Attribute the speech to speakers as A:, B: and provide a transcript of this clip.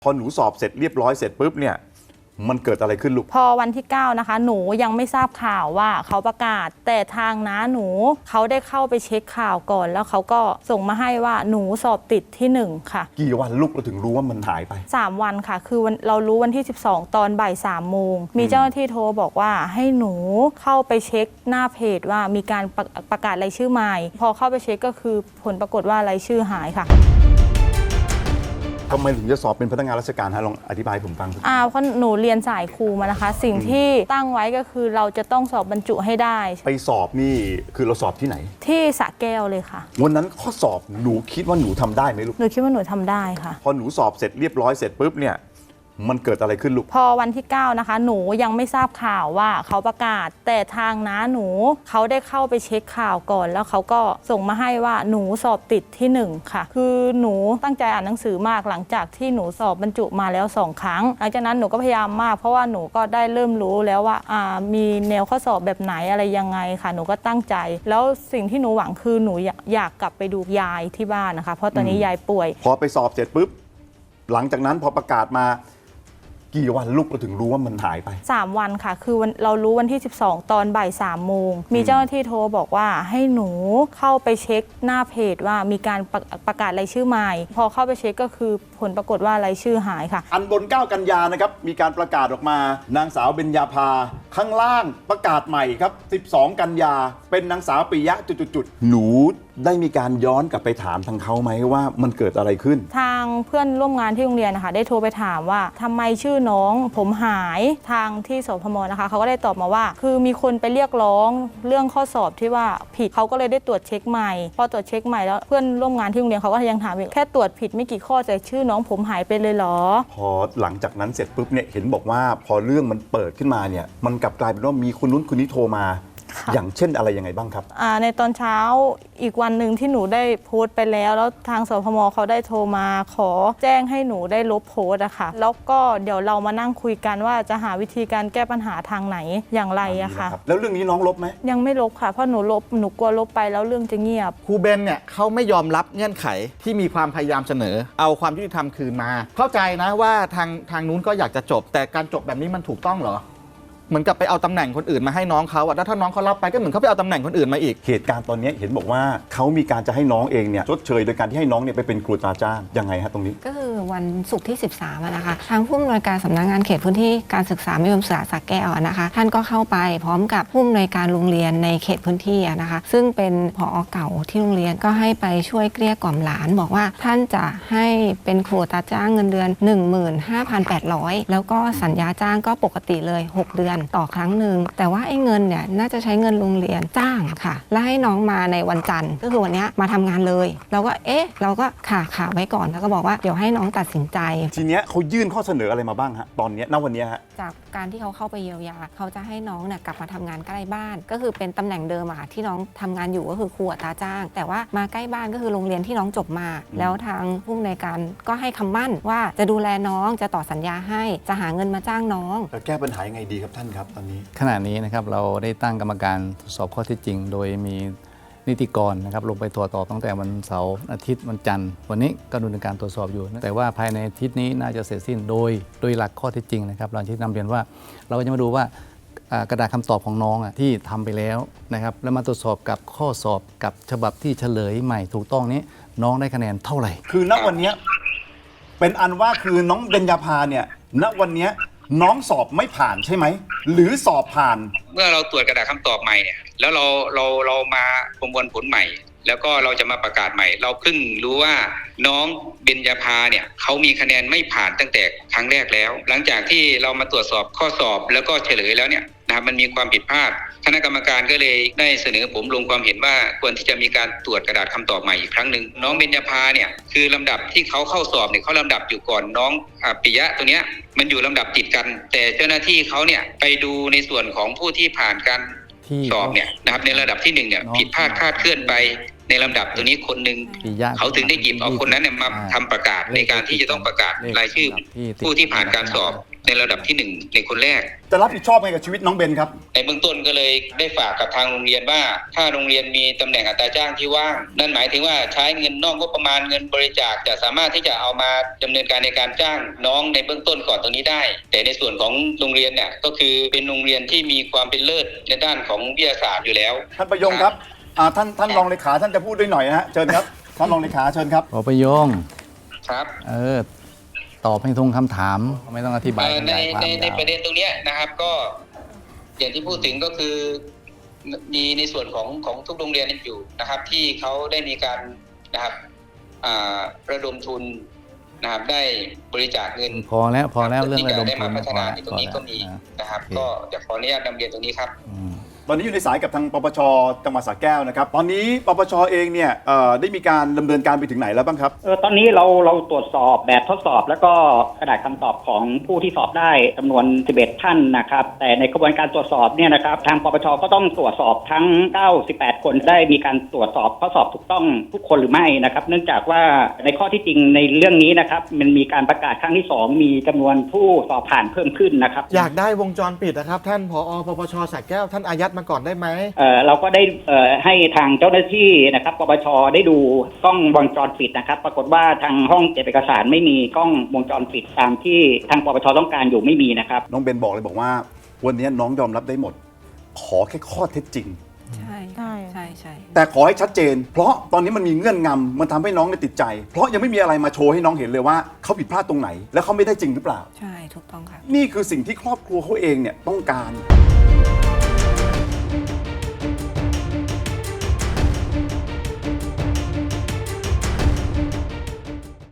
A: พอหนูสอบเสร็จเรียบร้อยเสร็จปุ๊บเนี่ยมันเกิดอะไรขึ้นลูก
B: พอวันที่9นะคะหนูยังไม่ทราบข่าวว่าเขาประกาศแต่ทางน้าหนูเขาได้เข้าไปเช็คข่าวก่อนแล้วเขาก็ส่งมาให้ว่าหนูสอบติดที่1ค่ะ
A: กี่วันลูกเราถึงรู้ว่ามันหายไป
B: 3 วันค่ะคือเรารู้วันที่12ตอนบ่าย3 โมงมีเจ้าหน้าที่โทรบอกว่าให้หนูเข้าไปเช็คหน้าเพจว่ามีการประกาศรายชื่อใหม่พอเข้าไปเช็คก็คือผลปรากฏว่ารายชื่อหายค่ะ
A: ทำไมถึงจะสอบเป็นพนักงานราชการฮะลองอธิบายผมฟัง
B: เพราะหนูเรียนสายครูมานะคะสิ่งที่ตั้งไว้ก็คือเราจะต้องสอบบรรจุให้ได้
A: ไปสอบนี่คือเราสอบที่ไหน
B: ที่สระแก้วเลยค่ะ
A: วันนั้นข้อสอบหนูคิดว่าหนูทำได้ไหมลูก
B: หนูคิดว่าหนูทำได้ค่ะ
A: พอหนูสอบเสร็จเรียบร้อยเสร็จปุ๊บเนี่ยมันเกิดอะไรขึ้นลูก
B: พอวันที่9นะคะหนูยังไม่ทราบข่าวว่าเขาประกาศแต่ทางน้าหนูเขาได้เข้าไปเช็คข่าวก่อนแล้วเขาก็ส่งมาให้ว่าหนูสอบติดที่1ค่ะคือหนูตั้งใจอ่านหนังสือมากหลังจากที่หนูสอบบรรจุมาแล้ว2 ครั้งหลังจากนั้นหนูก็พยายามมากเพราะว่าหนูก็ได้เริ่มรู้แล้วว่ามีแนวข้อสอบแบบไหนอะไรยังไงค่ะหนูก็ตั้งใจแล้วสิ่งที่หนูหวังคือหนูอยากกลับไปดูยายที่บ้านนะคะเพราะตอนนี้ยายป่วย
A: พอไปสอบเสร็จปุ๊บหลังจากนั้นพอประกาศมากี่วันลูกเราถึงรู้ว่ามันหายไป
B: 3 วันค่ะคือเรารู้วันที่12ตอนบ่าย3 โมงมีเจ้าหน้าที่โทรบอกว่าให้หนูเข้าไปเช็คหน้าเพจว่ามีการประกาศรายชื่อใหม่พอเข้าไปเช็คก็คือผลปรากฏว่ารายชื่อหายค่ะ
A: อันบน9 กันยานะครับมีการประกาศออกมานางสาวเบญญาภาข้างล่างประกาศใหม่ครับ12 กันยาเป็นนางสาวปิยะจุดๆหนูได้มีการย้อนกลับไปถามทางเขาไหมว่ามันเกิดอะไรขึ้น
B: ทางเพื่อนร่วมงานที่โรงเรียนนะคะได้โทรไปถามว่าทำไมชื่อน้องผมหายทางที่สพมนะคะเขาก็ได้ตอบมาว่าคือมีคนไปเรียกร้องเรื่องข้อสอบที่ว่าผิดเขาก็เลยได้ตรวจเช็คใหม่พอตรวจเช็คใหม่แล้วเพื่อนร่วมงานที่โรงเรียนเขาก็ยังถามอีกแค่ตรวจผิดไม่กี่ข้อแต่ชื่อน้องผมหายไปเลยเหรอ
A: พอหลังจากนั้นเสร็จปุ๊บเนี่ยเห็นบอกว่าพอเรื่องมันเปิดขึ้นมาเนี่ยมันกลับกลายเป็นว่ามีคนนู้นคนนี้โทรมาอย่างเช่นอะไรยังไงบ้างครับ
B: ในตอนเช้าอีกวันหนึ่งที่หนูได้โพสต์ไปแล้วทางสพมเขาได้โทรมาขอแจ้งให้หนูได้ลบโพสต์อะค่ะแล้วก็เดี๋ยวเรามานั่งคุยกันว่าจะหาวิธีการแก้ปัญหาทางไหนอย่างไรอะค่ะ
A: แล้วเรื่องนี้น้องลบไหม
B: ยังไม่ลบค่ะเพราะหนูกลัวลบไปแล้วเรื่องจะเงียบ
C: ครูเบนเนี่ยเขาไม่ยอมรับเงื่อนไขที่มีความพยายามเสนอเอาความยุติธรรมคืนมาเข้าใจนะว่าทางนู้นก็อยากจะจบแต่การจบแบบนี้มันถูกต้องเหรอเหมือนกับไปเอาตำแหน่งคนอื่นมาให้น้องเขาแล้วถ้าน้องเขารับไปก็เหมือนเขาไปเอาตำแหน่งคนอื่นมาอีก
A: เหตุการณ์ตอนนี้เห็นบอกว่าเขามีการจะให้น้องเองเนี่ยชดเชยโดยการที่ให้น้องเนี่ยไปเป็นครูตราจ้างยังไงฮะตรงนี้
D: ก็คือวันศุกร์ที่13นะคะทางผู้อำนวยการสำนักงานเขตพื้นที่การศึกษามัธยมศึกษาสระแก้วนะคะท่านก็เข้าไปพร้อมกับผู้อำนวยการโรงเรียนในเขตพื้นที่นะคะซึ่งเป็นผอ.เก่าที่โรงเรียนก็ให้ไปช่วยเกลี้ยกล่อมหลานบอกว่าท่านจะให้เป็นครูตราจ้างเงินเดือน 15,800 แล้วก็สัญญาจ้างก็ปกติเลย6 เดือนต่อครั้งหนึ่งแต่ว่าไอ้เงินเนี่ยน่าจะใช้เงินโรงเรียนจ้างค่ะแล้วให้น้องมาในวันจันทร์ก็คือวันนี้มาทำงานเลยเราก็เราก็ขาไว้ก่อนแล้วก็บอกว่าเดี๋ยวให้น้องตัดสินใจ
A: ทีเนี้ยเขายื่นข้อเสนออะไรมาบ้างฮะตอนนี้ณวันนี้ฮะ
D: จากการที่เขาเข้าไปเยียวยาเขาจะให้น้องเนี่ยกลับมาทำงานใกล้บ้านก็คือเป็นตำแหน่งเดิมอะที่น้องทำงานอยู่ก็คือครูอัตราจ้างแต่ว่ามาใกล้บ้านก็คือโรงเรียนที่น้องจบมาแล้วทางผู้อำนวยการก็ให้คำมั่นว่าจะดูแลน้องจะต่อสัญญาให้จะหาเงินมาจ้างน้อง
A: แก้ปัญหายังไงดีครับท่านครับตอนนี้
E: ขณะนี้นะครับเราได้ตั้งกรรมการตรวจสอบข้อเท็จจริงโดยมีนิติกรนะครับลงไปตรวจสอบตั้งแต่วันเสาร์อาทิตย์วันจันทร์วันนี้ก็ดำเนินการตรวจสอบอยู่แต่ว่าภายในอาทิตย์นี้น่าจะเสร็จสิ้นโดยหลักข้อเท็จจริงนะครับเราที่นำเรียนว่าเราก็จะมาดูว่ากระดาษคำตอบของน้องที่ทำไปแล้วนะครับแล้วมาตรวจสอบกับข้อสอบกับฉบับที่เฉลยใหม่ถูกต้องนี้น้องได้คะแนนเท่าไหร่
A: คือณวันนี้เป็นอันว่าคือน้องเบญญาภาเนี่ยณวันนี้น้องสอบไม่ผ่านใช่ไหมหรือสอบผ่าน
F: เมื่อเราตรวจกระดาษคำตอบใหม่เนี่ยแล้วเรามาประมวลผลใหม่แล้วก็เราจะมาประกาศใหม่เราเพิ่งรู้ว่าน้องเบญญาภาเนี่ยเขามีคะแนนไม่ผ่านตั้งแต่ครั้งแรกแล้วหลังจากที่เรามาตรวจสอบข้อสอบแล้วก็เฉลยแล้วเนี่ยนะครับมันมีความผิดพลาดคณะกรรมการก็เลยได้เสนอผมลงความเห็นว่าควรที่จะมีการตรวจกระดาษคำตอบใหม่อีกครั้งหนึ่งน้องเบญญาภาเนี่ยคือลำดับที่เขาเข้าสอบเนี่ยเขาลำดับอยู่ก่อนน้องปิยะตัวเนี้ยมันอยู่ลำดับติดกันแต่เจ้าหน้าที่เขาเนี่ยไปดูในส่วนของผู้ที่ผ่านการสอบเนี่ยนะครับในระดับที่1เนี่ยผิดพลาดคลาดเคลื่อนไปในลำดับตัวนี้คนหนึ่งเขาถึงได้หยิบเอาคนนั้นเนี่ยมาทำประกาศในการที่จะต้องประกาศรายชื่อผู้ที่ผ่านการสอบในระดับที่ 1 ในคนแรก
A: จะรับผิดชอบไงกับชีวิตน้องเบนครับ
F: ในเบื้องต้นก็เลยได้ฝากกับทางโรงเรียนว่าถ้าโรงเรียนมีตำแหน่งอัตราจ้างที่ว่างนั่นหมายถึงว่าใช้เงินนอกงบประมาณเงินบริจาคจะสามารถที่จะเอามาดำเนินการในการจ้างน้องในเบื้องต้นก่อนตรงนี้ได้ แต่ในส่วนของโรงเรียนเนี่ยก็คือเป็นโรงเรียนที่มีความเป็นเลิศในด้านของวิทยาศาสตร์อยู่แล้ว
A: ท่านประยงครับท่านรองเลขาท่านจะพูดด้วยหน่อยนะฮะเชิญครับท่านรองเลขาเชิญครับ
E: พอประโยง
F: ครับ
E: ตอบให้ตรงคำถามไม่ต้องอธิบายข
F: ใน
E: ยายความ
F: ใน
E: ยาว
F: ประเด็นตรงเนี้ยนะครับก็อย่างที่พูดถึงก็คือมีในส่วนของทุกโรงเรียนอยู่นะครับ ที่เขาได้มีการนะครับระดมทุนนะครับได้บริจาคเงิน
E: พอแล้วเรื่องระดม
F: ได้
E: ทุ
F: มาน พัฒนาในตรงนี้ก็มีนะครับ ก็จะขออนุญาตนำเรียนตรงนี้ครับ
A: ตอนนี้อยู่ในสายกับทางปปชจังหวัดสระแก้วนะครับตอนนี้ปปชเองเนี่ยได้มีการดำเนินการไปถึงไหนแล้วบ้างครับ
G: ตอนนี้เราตรวจสอบแบบทดสอบแล้วก็กระดาษคำตอบของผู้ที่สอบได้จำนวน 11 ท่านนะครับแต่ในกระบวนการตรวจสอบเนี่ยนะครับทางปปชก็ต้องตรวจสอบทั้ง 98 คนได้มีการตรวจสอบข้อสอบถูกต้องทุกคนหรือไม่นะครับเนื่องจากว่าในข้อที่จริงในเรื่องนี้นะครับมันมีการประกาศครั้งที่ 2 มีจำนวนผู้สอบผ่านเพิ่มขึ้นนะครับ
C: อยากได้วงจรปิดนะครับท่านผอ.ปปช.สระแก้วท่านอายัดมาก่อนได้ไหม
G: เราก็ได้ให้ทางเจ้าหน้าที่นะครับปปชได้ดูกล้องวงจรปิดนะครับปรากฏว่าทางห้องเก็บเอกสารไม่มีกล้องวงจรปิดตามที่ทางปปชต้องการอยู่ไม่มีนะครับ
A: น้องเบนบอกเลยบอกว่าวันนี้น้องยอมรับได้หมด ขอแค่ข้อเท็จจริง
D: ใช่
B: ใช่
D: ใช่ใช่
A: แต่ขอให้ชัดเจน เพราะตอนนี้มันมีเงื่อนงำมันทำให้น้องเนี่ยติดใจ เพราะยังไม่มีอะไรมาโชว์ให้น้องเห็นเลยว่าเขาผิดพลาดตรงไหน และเขาไม่ได้จริงหรือเปล่า
D: ใช่ถูกต้องค่ะ
A: นี่คือสิ่งที่ครอบครัวเขาเองเนี่ยต้องการ